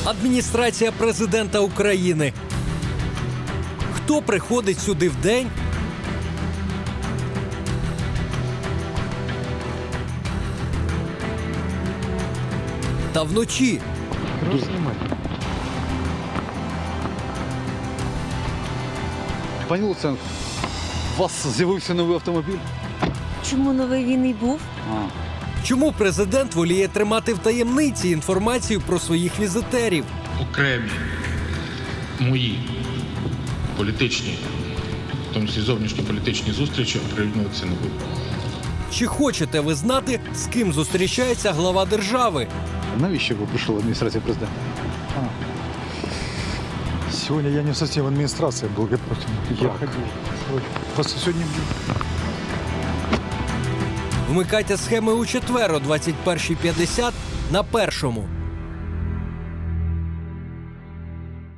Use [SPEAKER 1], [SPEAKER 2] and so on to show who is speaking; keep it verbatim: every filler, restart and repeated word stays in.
[SPEAKER 1] Адміністрація президента України. Хто приходить сюди вдень? Та вночі.
[SPEAKER 2] Пані Луценко, у вас з'явився новий автомобіль?
[SPEAKER 3] Чому новий він і був?
[SPEAKER 2] А.
[SPEAKER 1] Чому президент воліє тримати в таємниці інформацію про своїх візитерів?
[SPEAKER 4] Окремі мої політичні, в тому числі зовнішні політичні зустрічі оприлюднюватися не буду.
[SPEAKER 1] Чи хочете ви знати, з ким зустрічається глава держави?
[SPEAKER 2] Навіщо ви прийшли в адміністрацію президента?
[SPEAKER 5] Сегодня я не совсем в администрации был, я против. Я ходил. Просто сегодня...
[SPEAKER 1] Вмикайте схеми у четвер о двадцять першій п'ятдесят на Першому.